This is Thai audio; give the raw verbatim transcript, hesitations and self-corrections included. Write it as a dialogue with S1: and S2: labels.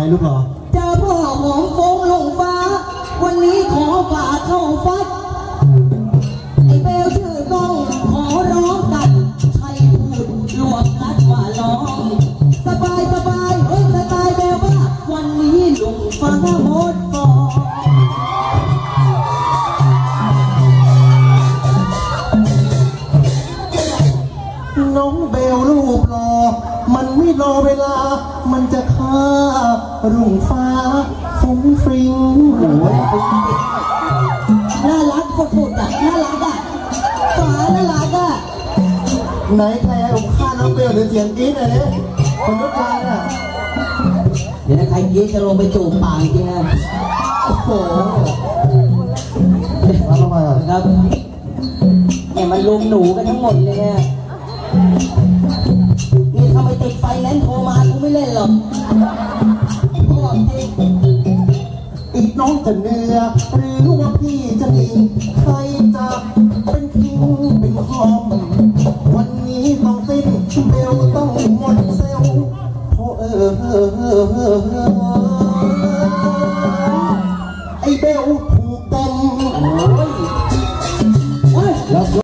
S1: ลูกเหรอ
S2: เจอพ่อของโฟงลงฟ้าวันนี้ขอฝากเข้าฟัดไอ้เบลชื่อต้องขอร้องกันใครพูดลวกนัดว่าร้องสบายสบายเฮ้ยสไตล์เบลว่าวันนี้ลุงฟ้าหมดฟอ
S1: น้องเบลรูปหล่อมันไม่รอเวลามันจะฆ่ารุ่งฟ้าฟุ้งฟริ้งโอ้ย
S2: น่ารักสุดๆอ่ะน่ารักอ่ะฟ้าน่ารักอ่ะ
S1: ไหนใครผมฆ่าน้องเบลหรือเสียงกรี๊ดอะไรเนี่ยคนทุกการอ่ะ
S2: เดี๋ยวใครกรี๊ดจะลงไปจูบปากจริงนะโอ้โห
S1: มาทำไมอ่ะ
S2: ครับเนี่ยมันลุมหนูกันทั้งหมดเลยเนี่ยนี่ทำไมติดไฟแนนซ์โทรมากูไม่เล่นหรอกพ่อจริง
S1: อีกน้องจะเหนื่อหรือว่าพี่จะหนีใครจะเป็นคิงเป็นคอมวันนี้ต้องสิ้นเบลต้องหมดเซลล์เพราะเออเออ